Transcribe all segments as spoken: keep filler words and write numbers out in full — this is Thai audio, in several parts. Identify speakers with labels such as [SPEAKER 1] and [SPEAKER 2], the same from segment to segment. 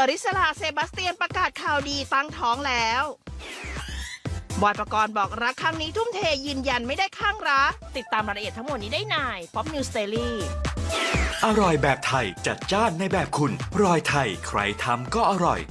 [SPEAKER 1] ริสราเซบาสเตียนประกาศข่าวดีตั้งท้องแล้วบอยปกรณ์บอกรักครั้งนี้ทุ่มเทยืนยันไม่ได้ข้างรักติดตามรายละเอียดทั้งหมดนี้ได้ใน Pop News Daily
[SPEAKER 2] อร่อยแบบไทยจัดจ้านในแบบคุณรอยไทยใครทำก็อร่อย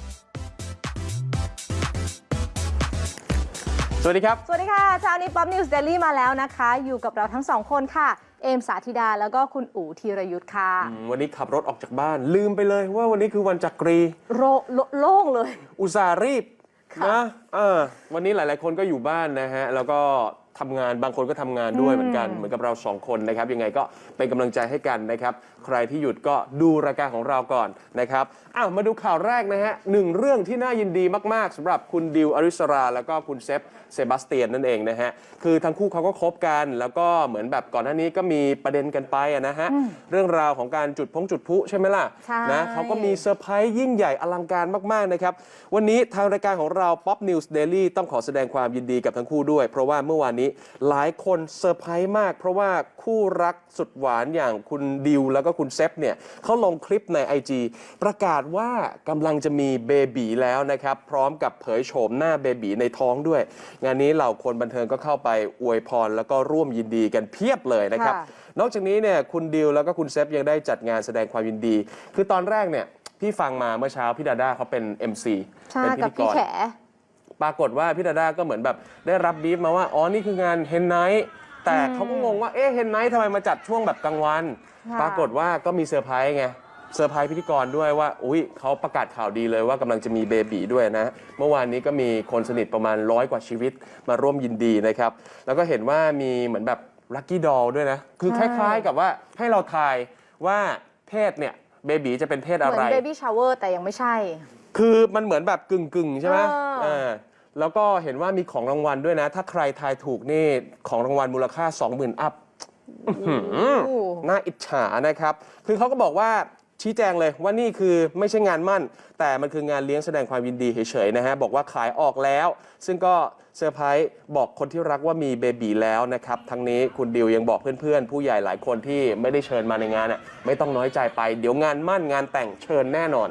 [SPEAKER 3] สวัสดีครับ
[SPEAKER 4] สวัสดีค่ะเช้านี้ Pop News Daily มาแล้วนะคะอยู่กับเราทั้งสองคนค่ะเอมสาธิดาแล้วก็คุณอู๋ธีรยุทธ์ค่ะ
[SPEAKER 3] วันนี้ขับรถออกจากบ้านลืมไปเลยว่าวันนี้คือวันจักรี
[SPEAKER 4] โรโล่งเลย
[SPEAKER 3] อุตส่าห์รีบนะเออวันนี้หลายๆคนก็อยู่บ้านนะฮะแล้วก็ทำงานบางคนก็ทำงานด้วยเหมือนกันเหมือนกับเราสองคนนะครับยังไงก็เป็นกำลังใจให้กันนะครับใครที่หยุดก็ดูรายการของเราก่อนนะครับอ้าวมาดูข่าวแรกนะฮะหนึ่งเรื่องที่น่ายินดีมากๆสำหรับคุณดิวอริสราแล้วก็คุณเซฟเซบาสเตียนนั่นเองนะฮะคือทั้งคู่เขาก็คบกันแล้วก็เหมือนแบบก่อนหน้านี้ก็มีประเด็นกันไปนะฮะเรื่องราวของการจุดพงจุดพลุใช่ไหมล่ะนะเขาก็มีเซอร์ไพรส์ยิ่งใหญ่อลังการมากๆนะครับวันนี้ทางรายการของเรา Pop News Daily ต้องขอแสดงความยินดีกับทั้งคู่ด้วยเพราะว่าเมื่อวานนี้หลายคนเซอร์ไพรส์มากเพราะว่าคู่รักสุดหวานอย่างคุณดิวแล้วก็คุณเซฟเนี่ยเขาลงคลิปใน ไอ จี ประกาศว่ากำลังจะมีเบบีแล้วนะครับพร้อมกับเผยโฉมหน้าเบบีในท้องด้วยงานนี้เหล่าคนบันเทิงก็เข้าไปอวยพรแล้วก็ร่วมยินดีกันเพียบเลยนะครับนอกจากนี้เนี่ยคุณดิวแล้วก็คุณเซฟยังได้จัดงานแสดงความยินดีคือตอนแรกเนี่ยพี่ฟังมาเมื่อเช้าพี่ดาด้าเขาเป็น เอ็ม ซี เป็นพิธีกรปรากฏว่าพี่ดาด้าก็เหมือนแบบได้รับบีฟมาว่าอ๋อนี่คืองานเฮนไนท์แต่เขาก็งงว่าเอ๊ะเฮนไนท์ทำไมมาจัดช่วงแบบกลางวันปรากฏว่าก็มีเซอร์ไพรส์ไงเซอร์ไพรส์พิธีกรด้วยว่าอุ้ยเขาประกาศข่าวดีเลยว่ากำลังจะมีเบบีด้วยนะเมื่อวานนี้ก็มีคนสนิทประมาณร้อยกว่าชีวิตมาร่วมยินดีนะครับแล้วก็เห็นว่ามีเหมือนแบบลัคกี้ดอลด้วยนะคือคล้ายๆกับว่าให้เราทายว่าเพศเนี่ยเบบีจะเป็นเพศอะไรเหมือน
[SPEAKER 4] เบบี้ชาวเวอร์แต่ยังไม่ใช่
[SPEAKER 3] คือมันเหมือนแบบกึ่งๆใช่ไหมอ่าแล้วก็เห็นว่ามีของรางวัลด้วยนะถ้าใครทายถูกนี่ของรางวัลมูลค่า สองหมื่น อัพน่าอิจฉานะครับคือเขาก็บอกว่าชี้แจงเลยว่านี่คือไม่ใช่งานมั่นแต่มันคืองานเลี้ยงแสดงความยินดีเฉยๆนะฮะบอกว่าขายออกแล้วซึ่งก็เซอร์ไพรส์บอกคนที่รักว่ามีเบบีแล้วนะครับทั้งนี้คุณดิวยังบอกเพื่อนๆผู้ใหญ่หลายคนที่ไม่ได้เชิญมาในงานอ่ะไม่ต้องน้อยใจไปเดี๋ยวงานมั่นงานแต่งเชิญแน่นอน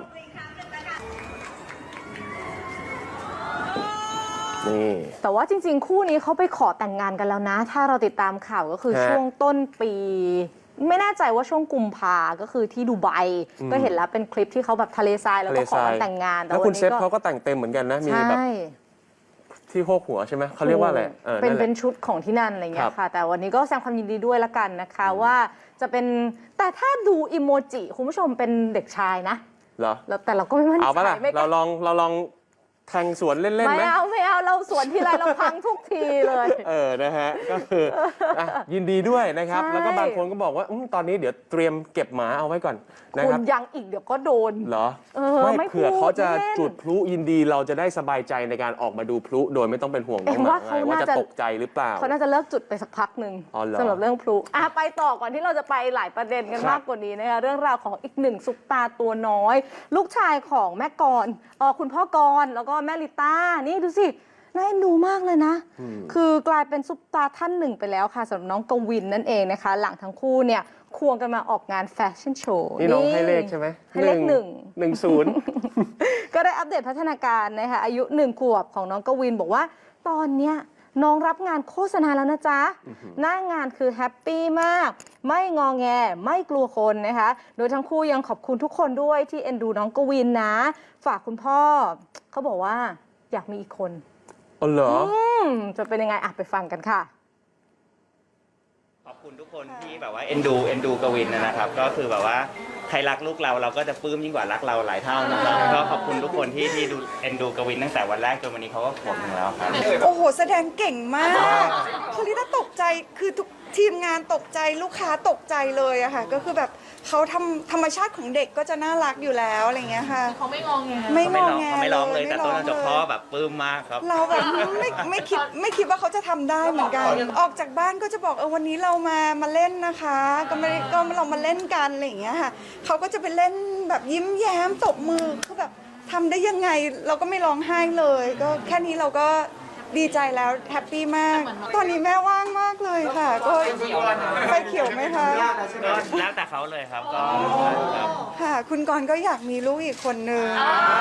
[SPEAKER 4] แต่ว่าจริงๆคู่นี้เขาไปขอแต่งงานกันแล้วนะถ้าเราติดตามข่าวก็คือช่วงต้นปีไม่แน่ใจว่าช่วงกุมภาก็คือที่ดูไบก็เห็นแล้วเป็นคลิปที่เขาแบบทะเลทรายแล้วก็ขอแต่งงาน
[SPEAKER 3] แล้วคุณเซฟเขาก็แต่งเต็มเหมือนกันนะมีแบบที่โคกหัวใช่ไหมเขาเรียกว่าอะไร
[SPEAKER 4] เป็นเป็นชุดของที่นั่นอะไรเงี้ยค่ะแต่วันนี้ก็แสดงความยินดีด้วยละกันนะคะว่าจะเป็นแต่ถ้าดูอิโมจิคุณผู้ชมเป็นเด็กชายนะ
[SPEAKER 3] เหรอ
[SPEAKER 4] แต่เราก็ไม่มั่นใจ
[SPEAKER 3] เอาปะล่ะเราลองเราลองแทงสวนเล่นๆไหม
[SPEAKER 4] ไม่เอาไม่เอาเราสวนทีไรเราพังทุกทีเลย
[SPEAKER 3] เออนะฮะก็คือยินดีด้วยนะครับแล้วก็บางคนก็บอกว่าตอนนี้เดี๋ยวเตรียมเก็บหมาเอาไว้ก่อนนะครับ
[SPEAKER 4] คุณยังอีกเดี๋ยวก็โดน
[SPEAKER 3] เหรอไม่เผื่อเขาจะจุดพลุยินดีเราจะได้สบายใจในการออกมาดูพลุโดยไม่ต้องเป็นห่วงน้องหมาว่าจะตกใจหรือเปล่า
[SPEAKER 4] เขาน่าจะเลิกจุดไปสักพักหนึ่งสำหรับเรื่องพลุอ่ะไปต่อก่อนที่เราจะไปหลายประเด็นกันมากกว่านี้นะคะเรื่องราวของอีกหนึ่งซุปตาตัวน้อยลูกชายของแม่กรอ๋อคุณพ่อกรแล้วก็แม่ลิต้านี่ดูสิน่าเอ็นดูมากเลยนะคือกลายเป็นซุปตาท่านหนึ่งไปแล้วค่ะสำหรับน้องกวินนั่นเองนะคะหลังทั้งคู่เนี่ยควงกันมาออกงานแฟชั่นโชว์
[SPEAKER 3] นี่น้องให้เลขใช่ไหม
[SPEAKER 4] ให้เลขหนึ่ง
[SPEAKER 3] หนึ่งศูนย์
[SPEAKER 4] ก็ได้อัปเดตพัฒนาการนะคะอายุหนึ่งขวบของน้องกวินบอกว่าตอนเนี้ยน้องรับงานโฆษณาแล้วนะจ๊ะหน้างานคือแฮปปี้มากไม่งอแงไม่กลัวคนนะคะโดยทั้งคู่ยังขอบคุณทุกคนด้วยที่เอ็นดูน้องกวินนะฝากคุณพ่อเขาบอกว่าอยากมีอีกคน
[SPEAKER 3] อ๋อเหรอ
[SPEAKER 4] จะเป็นยังไงอ่ะไปฟังกันค่ะ
[SPEAKER 5] ขอบคุณทุกคนที่แบบว่าเอ็นดูเอ็นดูกวินนะครับก็คือแบบว่าใครรักลูกเราเราก็จะปลื้มยิ่งกว่ารักเราหลายเท่านะครับก็ขอบคุณทุกคนที่ที่ดูเอ็นดูกวินตั้งแต่วันแรกจนวันนี้เขาก็ขวบถึงแล้วครับ
[SPEAKER 6] โอ้โหแสดงเก่งมากคลิต้าตกใจคือทุกทีมงานตกใจลูกค้าตกใจเลยอะค่ะก็คือแบบเขาทำธรรมชาติของเด็กก็จะน่ารักอยู่แล้วอะไรเงี้ยค่ะ
[SPEAKER 4] เขาไม่งองแง
[SPEAKER 6] ไม่งองแง
[SPEAKER 5] เขาไม่ร้องเลยแต่ต้นจบพ่อแบบปลื้มมากครับ
[SPEAKER 6] เราแบบไม่ไม่คิดไม่คิดว่าเขาจะทำได้เหมือนกันออกจากบ้านก็จะบอกเออวันนี้เรามามาเล่นนะคะก็ไม่ก็เรามาเล่นกันอะไรอย่างเงี้ยค่ะเขาก็จะไปเล่นแบบยิ้มแย้มตบมือคือแบบทำได้ยังไงเราก็ไม่ร้องไห้เลยก็แค่นี้เราก็ดีใจแล้วแฮปปี้มาก ตอนนี้แม่ว่างมากเลยค่ะ ก็ไฟเขียวไหมคะ
[SPEAKER 5] ก็แล้วแต่เขาเลยครับก็ครับ
[SPEAKER 6] ค่ะ คุณกรณ์ก็อยากมีลูกอีกคนนึง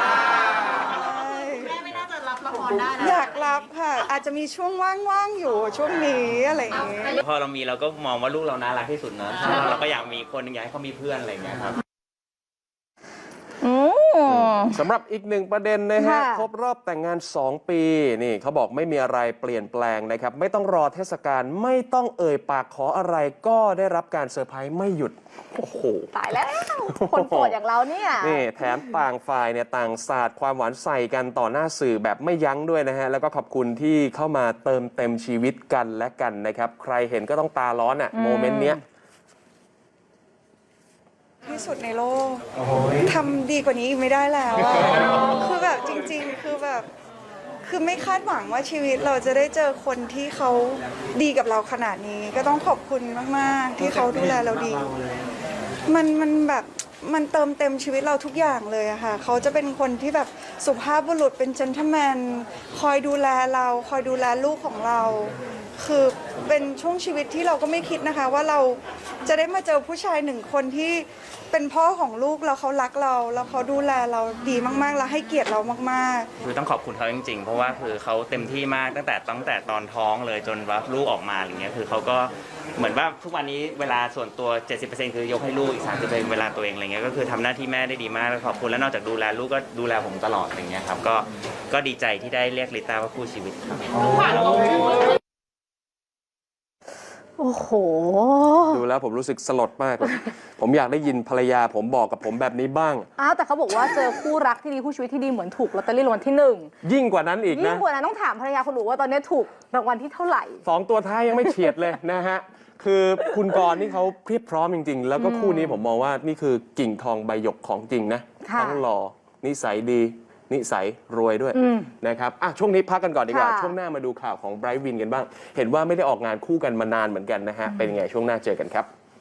[SPEAKER 7] แม่ไม่น่าจะรับละครได้นะ
[SPEAKER 6] อยากรับค่ะ อาจจะมีช่วงว่างๆอยู่ช่วงนี้อะไรอย่างเงี้ย
[SPEAKER 5] พอเรามีเราก็มองว่าลูกเราน่ารักที่สุดเนอะเราก็อยากมีคนหนึงอยากให้เขามีเพื่อนอะไรอย่างเงี้ยครับ
[SPEAKER 4] อืม
[SPEAKER 3] สำหรับอีกหนึ่งประเด็นนะฮะ
[SPEAKER 4] ค่ะ
[SPEAKER 3] ครบรอบแต่งงาน สอง ปีนี่เขาบอกไม่มีอะไรเปลี่ยนแปลงนะครับ ไม่ต้องรอเทศกาลไม่ต้องเอ่ยปากขออะไรก็ได้รับการเซอร์ไพรส์ไม่หยุด โอ้โห
[SPEAKER 4] ตายแล้ว คนโสดอย่างเราเนี่ย
[SPEAKER 3] นี่แถมต่างฝ่ายเนี่ยต่างสาดความหวานใส่กันต่อหน้าสื่อแบบไม่ยั้งด้วยนะฮะ แล้วก็ขอบคุณที่เข้ามาเติมเต็มชีวิตกันและกันนะครับ ใครเห็นก็ต้องตาร้อนอะโมเมนต์เนี้ย
[SPEAKER 6] ที่สุดในโลกทำดีกว่านี้อีกไม่ได้แล้วอะคือแบบจริงๆ คือแบบ คือไม่คาดหวังว่าชีวิตเราจะได้เจอคนที่เขาดีกับเราขนาดนี้ ก็ต้องขอบคุณมากๆ ที่เขาดูแลเราดี มันมันแบบมันเติมเต็มชีวิตเราทุกอย่างเลยอะค่ะ เขาจะเป็นคนที่แบบสุภาพบุรุษเป็นเจนท l e แมนคอยดูแลเราคอยดูแลลูกของเรา คือเป็นช่วงชีวิตที่เราก็ไม่คิดนะคะ ว่าเราจะได้มาเจอผู้ชายหนึ่งคนที่เป็นพ่อของลูกแล้วเขารักเราแล้วเขาดูแลเราดีมากๆแล้วให้เกียรติเรามากๆ
[SPEAKER 5] คือต้องขอบคุณเขาจริงๆ เพราะว่าคือเขาเต็มที่มากตั้งแต่ตั้งแต่ตอนท้องเลยจนว่าลูกออกมาอะไรเงี้ยคือเขาก็เหมือนว่าทุกวันนี้เวลาส่วนตัว เจ็ดสิบเปอร์เซ็นต์ คือยกให้ลูกอีก สามสิบเปอร์เซ็นต์ เวลาตัวเองอะไรเงี้ยก็คือทำหน้าที่แม่ได้ดีมากแล้วขอบคุณแล้วนอกจากดูแลลูกก็ดูแลผมตลอดอะไรเงี้ยครับก็ก็ดีใจที่ได้เรียกลิต้าว่าคู่ชีวิตครับ
[SPEAKER 4] โอ้โห
[SPEAKER 3] ดูแล้วผมรู้สึกสลดมากเลย ผมอยากได้ยินภรรยาผมบอกกับผมแบบนี้บ้าง
[SPEAKER 4] อ้าวแต่เขาบอกว่าเจอคู่รักที่ดีคู่ชีวิตที่ดีเหมือนถูกลอตเตอรี่รางวัลที่หนึ่ง
[SPEAKER 3] ยิ่งกว่านั้นอีก
[SPEAKER 4] ยิ่
[SPEAKER 3] นะ
[SPEAKER 4] งกว่านั้นต้องถามภรรยาคนอื่นว่าตอนนี้ถูกรางวัลที่เท่าไหร่
[SPEAKER 3] สองตัวท้ายยังไม่เฉียดเลยนะฮะ คือคุณกรณ์นี่เขาเพียบพร้อมจริง ๆ แล้วก็คู่นี้ผมมองว่านี่คือกิ่งทองใบหยกของจริงนะ
[SPEAKER 4] ค่ะ
[SPEAKER 3] ทั้งหล่อนิสัยดี นิสัยรวยด้วย
[SPEAKER 4] อืม
[SPEAKER 3] นะครับอ่ะช่วงนี้พักกันก่อนดีกว่า
[SPEAKER 4] ค่ะ
[SPEAKER 3] ช่วงหน้ามาดูข่าวของไบรท์วินกันบ้าง เห็นว่าไม่ได้ออกงานคู่กันมานานเหมือนกันนะฮะ เป็นยังไงช่วงหน้าเจอกันครับ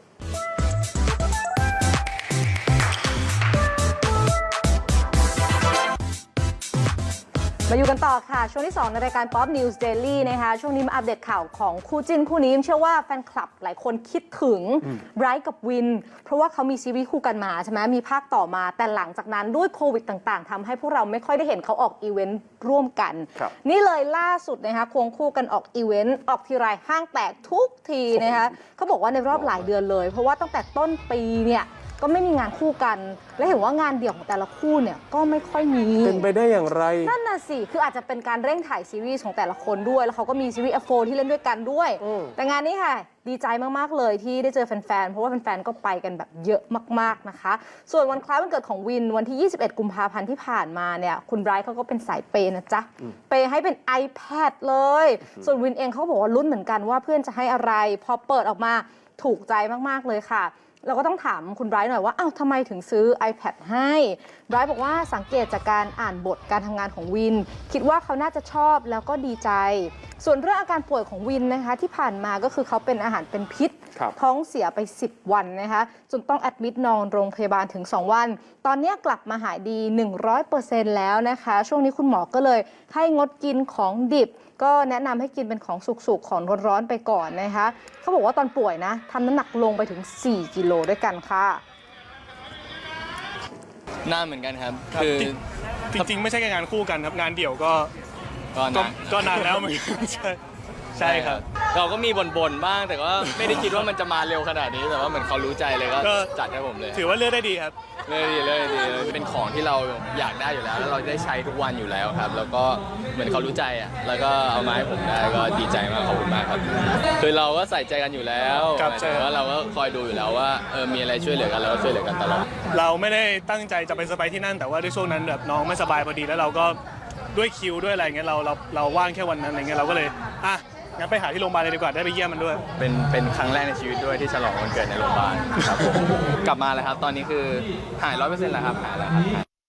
[SPEAKER 4] มาอยู่กันต่อค่ะ ช่วงที่ สอง ในรายการ Pop News Daily นะคะช่วงนี้มาอัปเดตข่าวของคู่จิ้นคู่นี้เชื่อว่าแฟนคลับหลายคนคิดถึงไบรท์กับวิน เพราะว่าเขามีซีรีส์คู่กันมาใช่ไหมมีภาคต่อมาแต่หลังจากนั้นด้วยโควิดต่างๆทำให้พวกเราไม่ค่อยได้เห็นเขาออกอีเวนต์ร่วมกัน
[SPEAKER 3] ครับ
[SPEAKER 4] นี่เลยล่าสุดนะคะควงคู่กันออกอีเวนต์ออกทีไรห้างแตกทุกทีนะคะเขาบอกว่าในรอบหลายเดือนเลย เพราะว่าตั้งแต่ต้นปีเนี่ยก็ไม่มีงานคู่กัน และเห็นว่างานเดี่ยวของแต่ละคู่เนี่ยก็ไม่ค่อยมี
[SPEAKER 3] เป็นไปได้อย่างไร
[SPEAKER 4] นั่นน่ะสิ คืออาจจะเป็นการเร่งถ่ายซีรีส์ของแต่ละคนด้วย แล้วเขาก็มีซีรีส์ เอฟ โฟร์ ที่เล่นด้วยกันด้วย
[SPEAKER 3] อืม
[SPEAKER 4] แต่งานนี้ค่ะ ดีใจมาก ๆ เลยที่ได้เจอแฟน ๆ เพราะว่าแฟน ๆ ก็ไปกันแบบเยอะมาก ๆ นะคะ ส่วนวันคล้ายวันเกิดของวินวันที่ ยี่สิบเอ็ด กุมภาพันธ์ที่ผ่านมาเนี่ย คุณไบรท์เขาก็เป็นสายเปย์นะจ๊ะ เปย์ให้เป็น iPad เลย ส่วนวินเองเขาบอกว่าลุ้นเหมือนกันว่าเพื่อนจะให้อะไร พอเปิดออกมาถูกใจมาก ๆ เลยค่ะ เราก็ต้องถามคุณไบรท์หน่อยว่าอ้าวทำไมถึงซื้อ iPad ให้ไบรท์บอกว่าสังเกตจากการอ่านบทการทำงานของวิน คิดว่าเขาน่าจะชอบแล้วก็ดีใจ ส่วนเรื่องอาการป่วยของวินนะคะที่ผ่านมาก็คือเขาเป็นอาหารเป็นพิษ
[SPEAKER 3] ครับ
[SPEAKER 4] ท้องเสียไป สิบ วันนะคะจนต้องแอดมิดนอนโรงพยาบาลถึง สอง วัน ตอนนี้กลับมาหายดี หนึ่งร้อยเปอร์เซ็นต์ แล้วนะคะ ช่วงนี้คุณหมอก็เลยให้งดกินของดิบ ก็แนะนำให้กินเป็นของสุกๆ ของร้อนๆไปก่อนนะคะเขาบอกว่าตอนป่วยนะทำน้ำหนักลงไปถึง สี่ กิโลด้วยกันค่ะ
[SPEAKER 8] นานเหมือนกันครับ คือ
[SPEAKER 9] จริงๆ ไม่ใช่แค่งานคู่กันครับ งานเดี่ยวก็
[SPEAKER 8] ก็
[SPEAKER 9] ก็
[SPEAKER 8] นาน
[SPEAKER 9] ก็นานแล้วเหมือนกัน ใช่ใช่ครับ
[SPEAKER 8] เราก็มีบ่นๆบ้าง แต่ก็ไม่ได้คิดว่ามันจะมาเร็วขนาดนี้ แต่ว่าเหมือนเขารู้ใจเลยก็
[SPEAKER 9] ก็
[SPEAKER 8] จัดให้ผมเลย
[SPEAKER 9] ถือว่าเลือกได้ดีครับ
[SPEAKER 8] เลยดีเลยดีเลยเป็นของที่เราอยากได้อยู่แล้ว แล้วเราได้ใช้ทุกวันอยู่แล้วครับ แล้วก็เหมือนเขารู้ใจอ่ะ แล้วก็เอามาให้ผมได้ก็ดีใจมากขอบคุณมากครับ คือเราก็ใส่ใจกันอยู่แล้ว
[SPEAKER 9] ครับ
[SPEAKER 8] หมาย
[SPEAKER 9] ใช่
[SPEAKER 8] ถึงว่าเราก็คอยดูอยู่แล้วว่าเออมีอะไรช่วยเหลือกันเราก็ช่วยเหลือกันตลอด
[SPEAKER 9] เราไม่ได้ตั้งใจจะไปสบายที่นั่น แต่ว่าด้วยช่วงนั้นแบบน้องไม่สบายพอดีแล้วเราก็ด้วยคิวด้วยอะไรเงี้ยเราเราเราว่างแค่วันนั้นอะไรเงี้ยเราก็เลยอ่ะงั้นไปหาที่โรงพยาบาลเลยดีกว่าได้ไปเยี่ยมมันด้วย
[SPEAKER 8] เป็นเป็นครั้งแรกในชีวิตด้วยที่ฉลองวันเกิดในโรงพยาบาลครับผม กลับมาแล้วครับ ตอนนี้คือหายร้อยเปอร์เซ็นต์แล้วครับหายแล้วครับ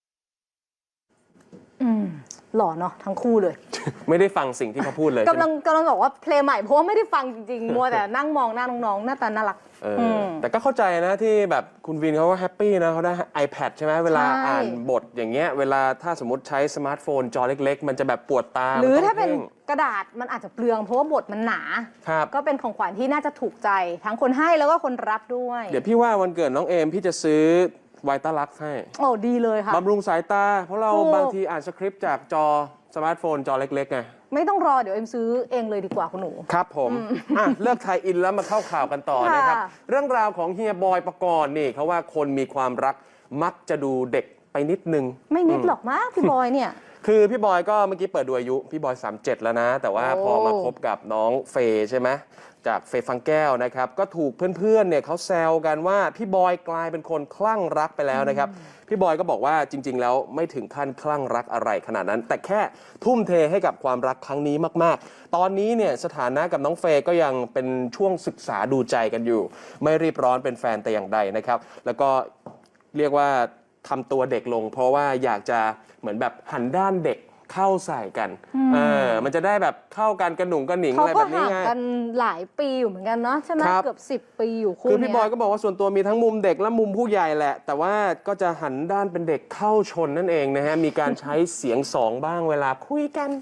[SPEAKER 4] อืมหล่อเนาะทั้งคู่เลย
[SPEAKER 3] ไม่ได้ฟังสิ่งที่เขาพูดเลย
[SPEAKER 4] กำลังกำลังบอกว่าเพลงใหม่เพราะว่าไม่ได้ฟังจริงๆ มัวแต่นั่งมองหน้าน้องๆ หน้าตาน่ารัก
[SPEAKER 3] เอออแต่ก็เข้าใจนะที่แบบคุณวินเขาก็แฮปปี้นะเขาได้ iPad ใช่ไหมเวลา
[SPEAKER 4] ใช่
[SPEAKER 3] อ่านบทอย่างเงี้ยเวลาถ้าสมมติใช้สมาร์ทโฟนจอเล็กๆ มันจะแบบปวดตา
[SPEAKER 4] หรือ
[SPEAKER 3] มันต้ง
[SPEAKER 4] ถ้าเป็น
[SPEAKER 3] พ่ง
[SPEAKER 4] กระดาษมันอาจจะเปลืองเพราะว่าบทมันหนา
[SPEAKER 3] ครับ
[SPEAKER 4] ก็เป็นของขวัญที่น่าจะถูกใจทั้งคนให้แล้วก็คนรับด้วย
[SPEAKER 3] เดี๋ยวพี่ว่าวันเกิดน้องเอมพี่จะซื้อไวต้าลักซ์ให้
[SPEAKER 4] โอ้ดีเลยค่ะ
[SPEAKER 3] บำรุงสายตา เพราะเรา
[SPEAKER 4] ถูก
[SPEAKER 3] บางทีอ่านสคริปต์จากจอสมาร์ทโฟนจอเล็กๆไง
[SPEAKER 4] ไม่ต้องรอเดี๋ยวเอ็มซื้อเองเลยดีกว่าคุณหนู
[SPEAKER 3] ครับผมอ่ะเลิกไทยอินแล้วมาเข้าข่าวกันต่อ
[SPEAKER 4] ค่ะ
[SPEAKER 3] นะครับ เรื่องราวของเฮียบอยปกรณ์นี่เขาว่าคนมีความรักมักจะดูเด็กไปนิดนึง
[SPEAKER 4] ไม่นิดหรอกมากพี่บอยเนี่ย
[SPEAKER 3] คือพี่บอยก็เมื่อกี้เปิดดูอายุ พี่บอยสามสิบเจ็ดแล้วนะ แต่ว่า
[SPEAKER 4] โอ้
[SPEAKER 3] พอมาคบกับน้องเฟย์ใช่ไหมจากเฟย์ฟังแก้วนะครับ ก็ถูกเพื่อนๆเนี่ยเขาแซวกันว่าพี่บอยกลายเป็นคนคลั่งรักไปแล้วนะครับ พี่บอยก็บอกว่าจริง ๆ แล้วไม่ถึงขั้นคลั่งรักอะไรขนาดนั้น แต่แค่ทุ่มเทให้กับความรักครั้งนี้มากๆ ตอนนี้เนี่ยสถานะกับน้องเฟย์ก็ยังเป็นช่วงศึกษาดูใจกันอยู่ ไม่รีบร้อนเป็นแฟนแต่อย่างใดนะครับ แล้วก็เรียกว่าทำตัวเด็กลง เพราะว่าอยากจะเหมือนแบบหันด้านเด็กเข้าใส่กันเออมันจะได้แบบเข้ากันกระหนุ่งกระหนิง
[SPEAKER 4] เขา
[SPEAKER 3] อะไร
[SPEAKER 4] ก็
[SPEAKER 3] แบบนี้
[SPEAKER 4] ห่าง
[SPEAKER 3] ไง
[SPEAKER 4] กันหลายปีอยู่เหมือนกันเนาะใช่ไหม
[SPEAKER 3] ครับ
[SPEAKER 4] เกือบสิบปีอยู่คู่
[SPEAKER 3] คือพี่
[SPEAKER 4] เนี้
[SPEAKER 3] บอยก็บอกว่าส่วนตัวมีทั้งมุมเด็กและมุมผู้ใหญ่แหละ แต่ว่าก็จะหันด้านเป็นเด็กเข้าชนนั่นเองนะฮะ มีการใช้เสียงสองบ้างเวลาคุยกัน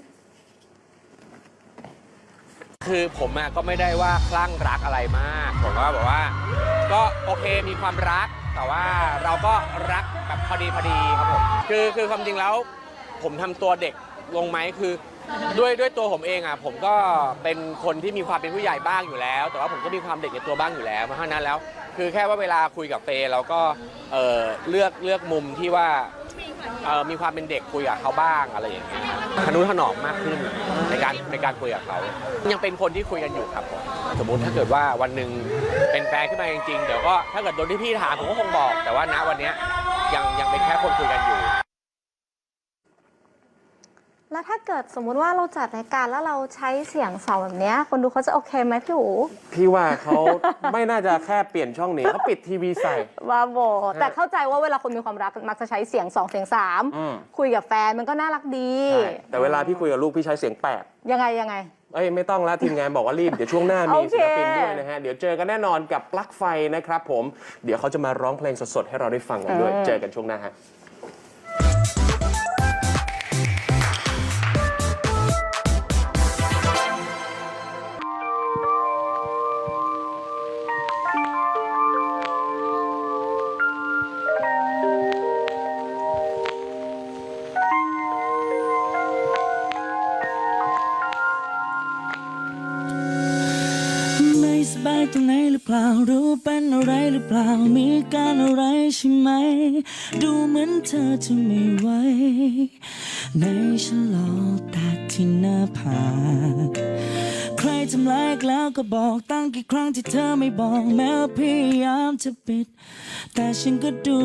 [SPEAKER 7] คือผมอะก็ไม่ได้ว่าคลั่งรักอะไรมากผมก็แบบว่า ก็โอเคมีความรัก แต่ว่าเราก็รักแบบพอดีพอดีครับผมคือคือความจริงแล้วผมทำตัวเด็กลงไหมคือด้วยด้วยตัวผมเองอะผมก็เป็นคนที่มีความเป็นผู้ใหญ่บ้างอยู่แล้ว แต่ว่าผมก็มีความเด็กในตัวบ้างอยู่แล้วเพราะฉะนั้นแล้ว คือแค่ว่าเวลาคุยกับเฟย์เราก็เอ่อเลือกเลือกมุมที่ว่าเอ่อมีความเป็นเด็กคุยกับเขาบ้างอะไรอย่างเงี้ยทนุถนอมมากขึ้นในการในการคุยกับเขายังเป็นคนที่คุยกันอยู่ครับผมสมมุติถ้าเกิดว่าวันหนึ่งเป็นแฟนขึ้นมาจริงๆเดี๋ยวก็ถ้าเกิดโดนที่พี่ถามผมก็คงบอก แต่ว่าณวันเนี้ยยังยังเป็นแค่คนคุยกันอยู่
[SPEAKER 4] แล้วถ้าเกิดสมมุติว่าเราจัดรายการแล้วเราใช้เสียงสองแบบเนี้ยคนดูเขาจะโอเคไหมพี่หู
[SPEAKER 3] พี่ว่าเขาไม่น่าจะแค่เปลี่ยนช่องหนีเขาปิดทีวีใส่
[SPEAKER 4] บ้าบอแต่เข้าใจว่าเวลาคนมีความรักมักจะใช้เสียงสองเสียงสาม
[SPEAKER 3] อืม
[SPEAKER 4] คุยกับแฟนมันก็น่ารักดี
[SPEAKER 3] ใช่แต่เวลาพี่คุยกับลูกพี่ใช้เสียงแปด
[SPEAKER 4] ยังไงยังไง
[SPEAKER 3] เอ้ยไม่ต้องละทีมงานบอกว่ารีบ เดี๋ยวช่วงหน้ามี
[SPEAKER 4] โอเค
[SPEAKER 3] ศิลปินด้วยนะฮะ เดี๋ยวเจอกันแน่นอนกับปลั๊กไฟนะครับผม เดี๋ยวเขาจะมาร้องเพลงสดๆ ให้เราได้ฟังกันด้วย เจอกันช่วงหน้าฮะ
[SPEAKER 10] ไม่สบายตรงไหนหรือเปล่ารู้เป็นอะไรหรือเปล่ามีการอะไรใช่ไหมดูเหมือนเธอจะไม่ไหวในฉันหลอกแต่ที่หน้าผากใครทำร้ายอีกแล้วก็บอกตั้งกี่ครั้งที่เธอไม่บอกแม้ว่าพยายามจะปิดแต่ฉันก็ดู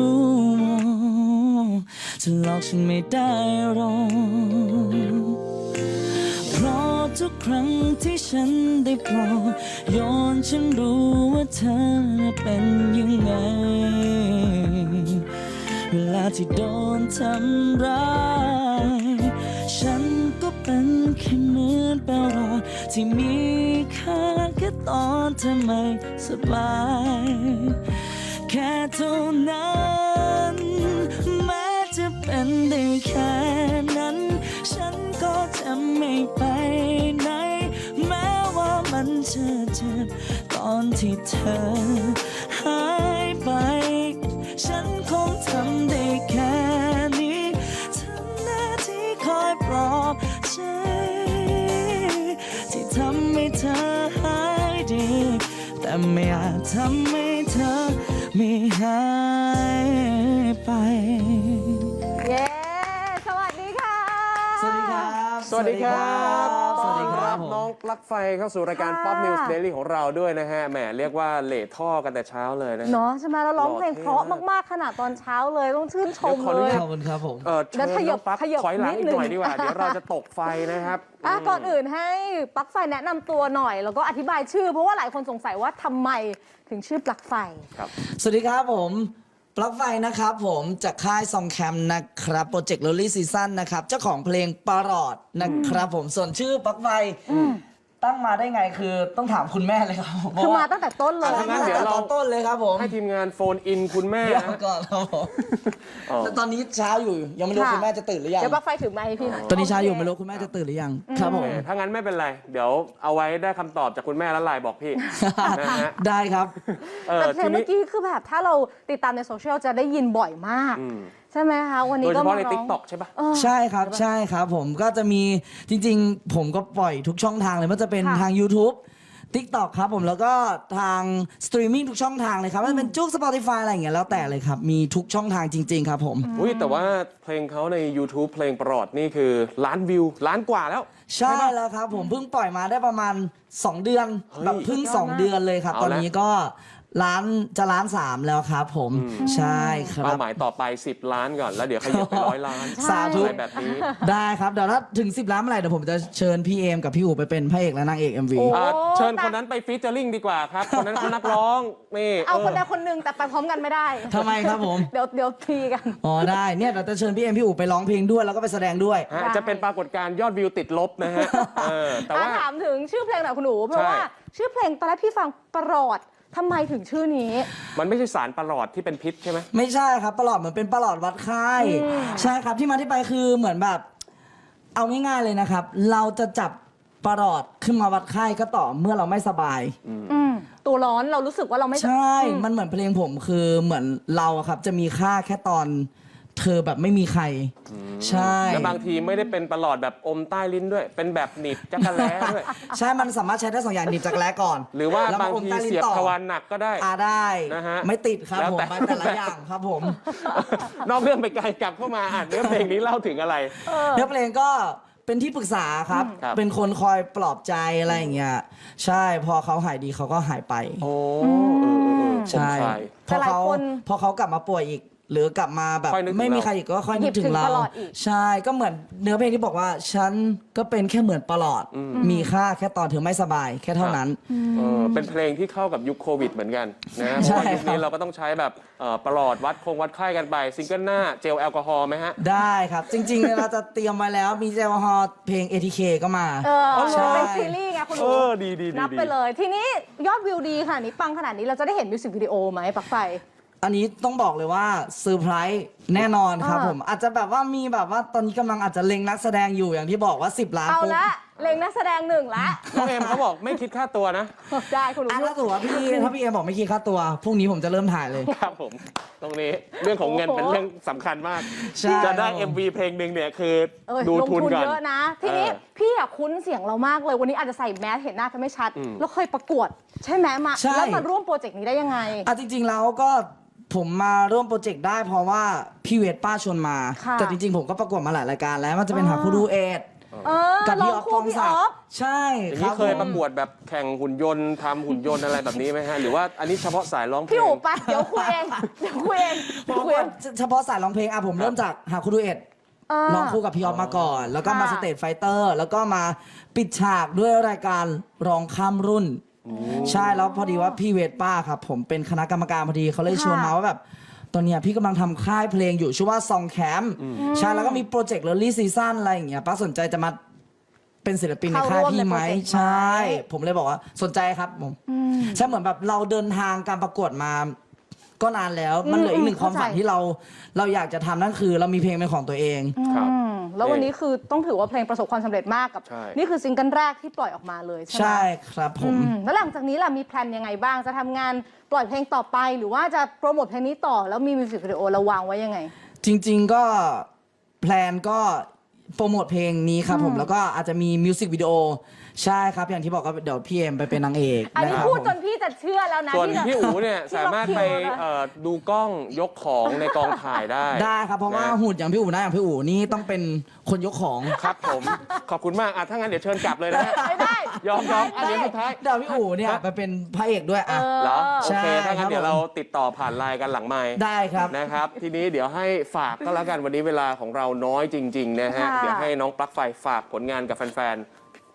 [SPEAKER 10] จะหลอกฉันไม่ได้หรอกเพราะทุกครั้งที่ฉันได้ปลอบโยนฉันรู้ว่าเธอเป็นยังไงเวลาที่โดนทำร้ายฉันก็เป็นแค่เหมือนแปลรอยที่มีค่าแค่ตอนเธอไม่สบายแค่เท่านั้นแม้จะเป็นได้แค่นั้นฉันก็จะไม่ไปไหนแม้ว่ามันจะเจ็บตอนที่เธอหายไปฉันคงทำได้แค่นี้ทำหน้าที่คอยปลอบใจที่ทำให้เธอหายดีแต่ไม่อาจทำให้เธอไม่หายไป
[SPEAKER 4] เย้ สวัสดีค่ะ
[SPEAKER 10] สวัสดีครับ
[SPEAKER 3] สวัสดีครับ
[SPEAKER 10] สวัสดีครับ
[SPEAKER 3] ต้อนน้องปลั๊กไฟเข้าสู่รายการ
[SPEAKER 4] ค่ะ
[SPEAKER 3] Pop News Daily ของเราด้วยนะฮะ แหมเรียกว่าเหล่ท่อกันแต่เช้าเลยนะฮะ
[SPEAKER 4] เนาะใช่ไหมแล้วร้องเพลง
[SPEAKER 3] หล่อเท่
[SPEAKER 4] เพราะมากๆขนาดตอนเช้าเลยต้องชื่นชม
[SPEAKER 3] เดี๋ยวขออนุ
[SPEAKER 4] เลย
[SPEAKER 3] ญาต
[SPEAKER 10] ขอบคุณครับผม
[SPEAKER 3] เออ
[SPEAKER 4] แล้
[SPEAKER 3] เชิ
[SPEAKER 4] ว
[SPEAKER 3] ญ
[SPEAKER 4] ขยั
[SPEAKER 3] น้อบ งปลั๊ก
[SPEAKER 4] ขยับ
[SPEAKER 3] ถอยหลัง
[SPEAKER 4] นิ
[SPEAKER 3] อี
[SPEAKER 4] ด
[SPEAKER 3] ก
[SPEAKER 4] นึง
[SPEAKER 3] หน่อยดีกว่า เดี๋ยวเราจะตกไฟนะครับ
[SPEAKER 4] อ่ะก่อนอื่นให้ปลั๊กไฟแนะนำตัวหน่อย แล้วก็อธิบายชื่อ เพราะว่าหลายคนสงสัยว่าทำไมถึงชื่อปลั๊กไฟ
[SPEAKER 10] สวัสดีครับผมปลั๊กไฟนะครับผมจากค่ายซองแคมนะครับโปรเจกต์ Lolly Season นะครับเจ้าของเพลงปารอดนะครับผมส่วนชื่อปลั๊กไฟตั้งมาได้ไงคือต้องถามคุณแม่เลยครับผม
[SPEAKER 4] คือมาตั้งแต่ต้นเลย
[SPEAKER 3] ถ้างั้นเดี๋ยวเรา
[SPEAKER 10] ตอนต้นเลยครับผม
[SPEAKER 3] ให้ทีมงานโฟนอินคุณแม่
[SPEAKER 10] เดี๋ยว
[SPEAKER 3] นะ
[SPEAKER 10] ก่อนครับผม
[SPEAKER 3] อ๋อ
[SPEAKER 10] แต่ตอนนี้เช้าอยู่ยังไม่รู้คุณแม่จะตื่นหรือยัง
[SPEAKER 4] เดี๋ยวปลั๊กไฟถือไมค์ให้พี่หน่อย
[SPEAKER 10] ตอนนี้เช้าอยู่ไม่รู้คุณแม่จะตื่นหรือยังครับผม
[SPEAKER 3] ถ้างั้นไม่เป็นไร เดี๋ยวเอาไว้ได้คำตอบจากคุณแม่แล้วไลน์บอกพี่ นะฮะ
[SPEAKER 10] ได้ครับ
[SPEAKER 3] เออ
[SPEAKER 4] แต่เพล
[SPEAKER 3] ที
[SPEAKER 4] งเมื่
[SPEAKER 3] นี้
[SPEAKER 4] อกี้คือแบบถ้าเราติดตามในโซเชียลจะได้ยินบ่อยมาก
[SPEAKER 3] อืม
[SPEAKER 4] ใช่ไหมคะวัน
[SPEAKER 3] โด
[SPEAKER 4] นี้
[SPEAKER 3] ยเฉ
[SPEAKER 4] ก็
[SPEAKER 3] พาะ
[SPEAKER 4] มา
[SPEAKER 3] ใน
[SPEAKER 4] ร้
[SPEAKER 3] ติ๊
[SPEAKER 4] อก ง
[SPEAKER 3] ต็อกใช่ปะ
[SPEAKER 4] เออ
[SPEAKER 10] ใช่ครับใช่ครับผมก็จะมีจริงๆ ผมก็ปล่อยทุกช่องทางเลยไมันจะเป็น
[SPEAKER 4] ค่ะ
[SPEAKER 10] ทาง YouTube TikTok ครับผมแล้วก็ทางสตรีมมิ่งทุกช่องทางเลยครับไม่ว่าจะเป็นจุก Spotify อะไรอย่างเงี้ยแล้วแต่เลยครับ มีทุกช่องทางจริง ๆ ครับผม
[SPEAKER 3] อุ้ยแต่ว่าเพลงเขาใน YouTube เพลงประหลอดนี่คือล้านวิวล้านกว่าแล้ว
[SPEAKER 10] ใช่แล้วครับผมเพิ่งปล่อยมาได้ประมาณ สอง เดือน
[SPEAKER 3] เฮ้ย
[SPEAKER 10] แบบเพิ่ง
[SPEAKER 4] สุดยอด
[SPEAKER 10] สอง
[SPEAKER 4] มาก
[SPEAKER 10] เดือนเลยครับ
[SPEAKER 3] เอา
[SPEAKER 10] ตอน
[SPEAKER 3] ละ
[SPEAKER 10] นี้ก็ล้านจะล้านสามแล้วครับผม
[SPEAKER 3] อืม
[SPEAKER 10] ใช่ครั
[SPEAKER 3] เป้า
[SPEAKER 10] บ
[SPEAKER 3] หมายต่อไป สิบ ล้านก่อนแล้วเดี๋ยวขยับไปร้อยล้าน
[SPEAKER 10] สาธุ
[SPEAKER 3] อะไรแบบนี้
[SPEAKER 10] ได้ครับเดี๋ยวถ้าถึง สิบ ล้านเมื่อไหร่เดี๋ยวผมจะเชิญพี่เอมกับพี่อู๋ไปเป็นพระเอกและนางเอก เอ็ม วี
[SPEAKER 4] โอ้
[SPEAKER 3] อ่าเชิญคนนั้นไปฟีเจอริ่งดีกว่าครับ คนนั้นเขานักร้องนี่
[SPEAKER 4] เอาคน
[SPEAKER 3] เอ
[SPEAKER 4] ใด
[SPEAKER 3] อ
[SPEAKER 4] คนหนึ่งแต่ไปพร้อมกันไม่ได้
[SPEAKER 10] ทำไมครับผม
[SPEAKER 4] เดี๋ยวเดี๋ยวทีกัน
[SPEAKER 10] อ๋อได้เนี่ยเดี๋ยวจะเชิญพี่เอ็มพี่อู๋ไปร้องเพลงด้วยแล้วก็ไปแสดงด้วย
[SPEAKER 3] ฮะจะเป็นปรากฏการณ์ยอดวิวติดลบนะฮะเออแต่ว่า
[SPEAKER 4] อ่ะถามถึงชื่อเพลงหน่อยคุณหนูเพราะ
[SPEAKER 3] ใช่
[SPEAKER 4] ว่าชื่อเพลงตอนแรกพี่ฟังประหลอดทำไมถึงชื่อนี้
[SPEAKER 3] มันไม่ใช่สารประหลอดที่เป็นพิษใช่ไหม
[SPEAKER 10] ไม่ใช่ครับประหลอดเหมือนเป็นประหลอดวัดไข้ใช่ครับที่มาที่ไปคือเหมือนแบบ เอาง่ายๆเลยนะครับ เราจะจับประหลอดขึ้นมาวัดไข้ก็ต่อเมื่อเราไม่สบาย
[SPEAKER 4] อืมตัวร้อนเรารู้สึกว่าเราไม่
[SPEAKER 10] ใช่
[SPEAKER 4] อืม
[SPEAKER 10] มันเหมือนเพลงผมคือเหมือนเราอะครับ จะมีค่าแค่ตอนเธอแบบไม่มีใคร ใช่
[SPEAKER 3] แล้วบางทีไม่ได้เป็นประหลอดแบบอมใต้ลิ้นด้วย เป็นแบบหนีบจักรแล้ด้วย
[SPEAKER 10] ใช่มันสามารถใช้ได้สองอย่างหนีบจากแร้ก่อน
[SPEAKER 3] หรือว่า
[SPEAKER 10] แล้วม
[SPEAKER 3] บาง
[SPEAKER 10] อม
[SPEAKER 3] ที
[SPEAKER 10] ใต้ลิ้น
[SPEAKER 3] เสียบ
[SPEAKER 10] ต่อ
[SPEAKER 3] ทวารหนักก็ได้
[SPEAKER 10] อ่าได้
[SPEAKER 3] นะฮะ
[SPEAKER 10] ไม่ติดครับ
[SPEAKER 3] แล้ว
[SPEAKER 10] ผม
[SPEAKER 3] แต่
[SPEAKER 10] ไปแต่ละอย่างครับผม
[SPEAKER 3] นอกเรื่องไปไกลกลับเข้ามาอ่านเนื้อเพลงนี้เล่าถึงอะไร
[SPEAKER 10] เนื้อเพลงก็เป็นที่ปรึกษาครับ
[SPEAKER 3] ครับ
[SPEAKER 10] เป็นคนคอยปลอบใจอะไรอย่างเงี้ย ใช่ พอเขาหายดีเขาก็หายไป
[SPEAKER 3] โอ้เออเออเออ
[SPEAKER 10] ใช่
[SPEAKER 3] ผมคลาย
[SPEAKER 10] พอเขา
[SPEAKER 4] แต่หลายคน
[SPEAKER 10] พอเขากลับมาป่วยอีก หรือกลับมาแบบ
[SPEAKER 3] ค่อยนึกถึง
[SPEAKER 10] ไม่มี
[SPEAKER 3] เรา
[SPEAKER 10] ใครอีกก็ค่อยนึกถึ
[SPEAKER 4] หยิบถึ
[SPEAKER 10] ง
[SPEAKER 4] ง
[SPEAKER 10] เรา
[SPEAKER 4] ประหลอดอีก
[SPEAKER 10] ใช่ ก็เหมือนเนื้อเพลงที่บอกว่า ฉันก็เป็นแค่เหมือนประหลอด มีค่าแค่ตอนเธอไม่สบาย แค่เท่านั้น
[SPEAKER 3] เออเป็นเพลงที่เข้ากับยุคโควิดเหมือนกันนะเพ
[SPEAKER 10] ใช่
[SPEAKER 3] ราะว่ายุคนี้
[SPEAKER 10] ครับ
[SPEAKER 3] เราก็ต้องใช้แบบเอ่อประหลอดวัดคงวัดไข้กันไปซิงเกิลหน้าเจลแอลกอฮอล์ไหมฮะ
[SPEAKER 10] ได้ครับ จริงๆ เราจะเตรียมไว้แล้วมีเจลแอลกอฮอล์เพลง เอ ที เค ก็มา
[SPEAKER 4] เออ
[SPEAKER 10] ใช่
[SPEAKER 4] เป็นซีรีส์ไงคุณห
[SPEAKER 3] เอ
[SPEAKER 4] นู
[SPEAKER 3] อ ดีดีดี
[SPEAKER 4] นับ
[SPEAKER 3] ดี
[SPEAKER 4] ไปเลย ทีนี้ยอดวิวดีขนาดนี้ปังขนาดนี้เราจะได้เห็นมิวสิกวิดีโอไหมปลั๊กไฟ
[SPEAKER 10] อันนี้ต้องบอกเลยว่าเซอร์ไพรส์แน่นอนครับ
[SPEAKER 4] อ่า
[SPEAKER 10] ผมอาจจะแบบว่ามีแบบว่าตอนนี้กำลังอาจจะเล็งนักแสดงอยู่อย่างที่บอกว่า สิบ ล้าน
[SPEAKER 4] เอา
[SPEAKER 10] ปุ๊บ
[SPEAKER 4] ละเล็งนักแสดงหนึ่งละ
[SPEAKER 3] น้องเอ็มเขาบอกไม่คิดค่าตัวนะ
[SPEAKER 4] ได้คุณหนู
[SPEAKER 10] อ่ะถ้าตัวพี่ถ้าพี่เอบอกไม่คิดค่าตัวพรุ่งนี้ผมจะเริ่มถ่ายเลย
[SPEAKER 3] ครับผม ตรงนี้เรื่องของเงินเป็นเรื่องสำคัญมาก
[SPEAKER 10] ใช่
[SPEAKER 3] จะได้
[SPEAKER 10] ครับผม
[SPEAKER 3] เอ็ม วี เพลงหนึ่งเนี่ยคือ
[SPEAKER 4] เออ
[SPEAKER 3] ดู
[SPEAKER 4] ลง
[SPEAKER 3] ทุน
[SPEAKER 4] ทุน
[SPEAKER 3] ก่อน
[SPEAKER 4] เยอะนะ ทีนี้
[SPEAKER 3] เออ
[SPEAKER 4] พี่อะคุ้นเสียงเรามากเลย วันนี้อาจจะใส่แมสเห็นหน้าจะไม่ชัด
[SPEAKER 3] อืม
[SPEAKER 4] แล้วเคยประกวด ใช่ไหมมา
[SPEAKER 10] ใช่
[SPEAKER 4] แล้วมาร่วมโปรเจกต์นี้ได้ยังไง
[SPEAKER 10] อ่ะจริงๆแล้วก็ผมมาร่วมโปรเจกต์ได้เพราะว่าพี่เวทป้าชวนมา
[SPEAKER 4] ค่ะ
[SPEAKER 10] แต่จริงๆ ผมก็ประกวดมาหลายรายการแล้วมันจะเป็น
[SPEAKER 4] อ๋อ
[SPEAKER 10] หาคู่ดูเอท
[SPEAKER 4] เออ
[SPEAKER 10] กับ
[SPEAKER 4] ล
[SPEAKER 10] พี่
[SPEAKER 4] อง
[SPEAKER 10] ออฟ
[SPEAKER 4] คู่
[SPEAKER 10] ปอง
[SPEAKER 4] พี่
[SPEAKER 10] ศั
[SPEAKER 4] อก อ
[SPEAKER 10] ดิ์
[SPEAKER 4] ฟ
[SPEAKER 10] ใช่
[SPEAKER 3] อย่าง
[SPEAKER 10] ครั
[SPEAKER 3] นี้
[SPEAKER 10] บ
[SPEAKER 3] เคย
[SPEAKER 10] ผม
[SPEAKER 3] ประกวดแบบแข่งหุ่นยนต์ทำหุ่นยนต์อะไรแบบนี้ไหมฮะ หรือว่าอันนี้เฉพาะสายร้องเพล
[SPEAKER 4] พี่
[SPEAKER 3] ง
[SPEAKER 4] อู๋ไปเดี๋ยวคุยเองเดี๋ยวคุยเองเดี๋ยวคุยเอง
[SPEAKER 10] เฉพาะสายร้องเพลงอ่ะผมเริ่มจากหาคู่ดูเอท
[SPEAKER 4] เออ
[SPEAKER 10] ร้องคู่กับพี่ออฟมาก่อน แล้วก็มา
[SPEAKER 4] ค่ะ
[SPEAKER 10] สเตจไฟเตอร์ แล้วก็มาปิดฉากด้วยรายการร้องข้ามรุ่น ใช่แล้วพอดีว่าพี่เวทป้าครับ ผมเป็นคณะกรรมการพอดีเขาเลยชวนมาว่าแบบ ตอนเนี้ยพี่กำลังทำค่ายเพลงอยู่ชื่อว่าซองแคมป์ใช่แล้วก็มีโปรเจกต์เลอรี่ซีซั่นอะไรอย่างเงี้ยป้าสนใจจะมาเป็นศิลปินในค่ายพี่ไหม
[SPEAKER 4] เข้าร่วมในโปรเจกต์ไหม
[SPEAKER 10] ใช่ ผมเลยบอกว่าสนใจครับผมใช่เหมือนแบบเราเดินทางการประกวดมา ก็นานแล้วมันเหลืออีกหนึ่งความฝันที่เราเราอยากจะทำนั่นคือเรามีเพลงเป็นของตัวเอง
[SPEAKER 3] ครับ
[SPEAKER 4] อืมแล้ววันนี้คือต้องถือว่าเพลงประสบความสำเร็จมากกับ
[SPEAKER 3] ใช่
[SPEAKER 4] นี่คือซิงเกิลแรกที่ปล่อยออกมาเลยใช่ไหม
[SPEAKER 10] ใช่ครับผม
[SPEAKER 4] อืมแล้วหลังจากนี้ล่ะมีแพลนยังไงบ้างจะทำงานปล่อยเพลงต่อไป หรือว่าจะโปรโมทเพลงนี้ต่อแล้วมีมิวสิกวิดีโอเราวางไว้ยังไง
[SPEAKER 10] จริงๆก็แพลนก็โปรโมทเพลงนี้ครับผมแล้วก็อาจจะมีมิวสิกวิดีโอใช่ครับอย่างที่บอกก็เดี๋ยวพี่เอ็มไปเป็นนางเอก
[SPEAKER 4] อันนี้
[SPEAKER 10] ะครับ
[SPEAKER 4] พูด
[SPEAKER 10] ผม
[SPEAKER 4] จนพี่จะเชื่อแล้วนะ
[SPEAKER 3] ส่วน
[SPEAKER 4] ที่จะ
[SPEAKER 3] พี่อู๋เนี่ย
[SPEAKER 4] ที่
[SPEAKER 3] สามารถไป
[SPEAKER 4] ล็อกคิวแล้วนะ
[SPEAKER 3] เอ่อดูกล้องยกของในกองถ่ายได้
[SPEAKER 10] ได้ครับเพราะว่า
[SPEAKER 3] นะ
[SPEAKER 10] หุ่นอย่างพี่อู๋นะอย่างพี่อู๋นี่ต้องเป็นคนยกของ
[SPEAKER 3] ครับผม ขอบคุณมากอ่ะถ้างั้นเดี๋ยวเชิญกลับเลยนะฮะ
[SPEAKER 4] ไม่ได้
[SPEAKER 3] ยอมยอมอันนี้สุดท้าย
[SPEAKER 10] เดี๋ยวพี่อู๋เนี่ยไปเป็นพระเอกด้วยอ่ะ
[SPEAKER 3] เหรอโอ
[SPEAKER 10] ใช่
[SPEAKER 3] เค ถ้างั้นเดี๋ยว
[SPEAKER 10] ครับผม
[SPEAKER 3] เราติดต่อผ่านไลน์กันหลังไมค์
[SPEAKER 10] ได้ครับ
[SPEAKER 3] นะครับ ทีนี้เดี๋ยวให้ฝากก็แล้วกันวันนี้เวลาของเราน้อยจริง ๆ นะฮะ
[SPEAKER 4] ค่ะ
[SPEAKER 3] เดี๋ยวให้น้องปลั๊กไฟฝากผลงานกับแฟนๆ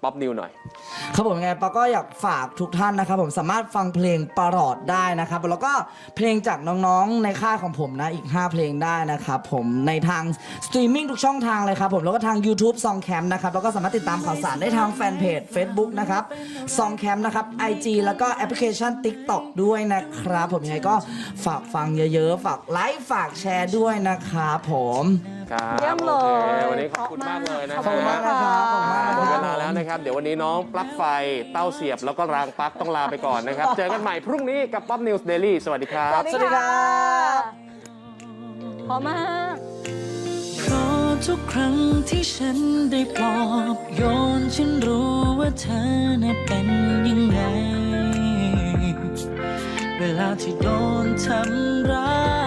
[SPEAKER 3] ป๊อปนิวหน่อย
[SPEAKER 10] ครับผมยังไงปาก็อยากฝากทุกท่านนะครับผมสามารถฟังเพลงประหลอดได้นะครับแล้วก็เพลงจากน้องๆในค่ายของผมนะอีกห้าเพลงได้นะครับผมในทางสตรีมมิ่งทุกช่องทางเลยครับผมแล้วก็ทาง YouTube Song Camp นะครับแล้วก็สามารถติดตามข่าวสารได้ทางแฟนเพจ Facebook นะครับ Song Camp นะครับ ไอ จี แล้วก็แอปพลิเคชัน TikTok ด้วยนะครับผมยังไงก็ฝากฟังเยอะๆฝากไลค์ฝากแชร์ด้วยนะครับผม
[SPEAKER 3] ครับ
[SPEAKER 4] เยี่ยมเลย
[SPEAKER 3] โอควันนี้ขอบคุณมากเลยนะ
[SPEAKER 4] ขอบคุณมาก
[SPEAKER 3] ฮะ
[SPEAKER 4] ค่ะ
[SPEAKER 3] หมดเวลาแล้วนะครับ เดี๋ยววันนี้น้องปลั๊กไฟเต้าเสียบแล้วก็รางปลั๊กต้องลาไปก่อนนะครับ เจอกันใหม่พรุ่งนี้กับ Pop News Daily สวัสดีครับ
[SPEAKER 4] สวัสดีค่ะพอมาก
[SPEAKER 10] เพราะทุกครั้งที่ฉันได้ปลอบโยนฉันรู้ว่าเธอน่ะเป็นยังไง เวลาที่โดนทำร้าย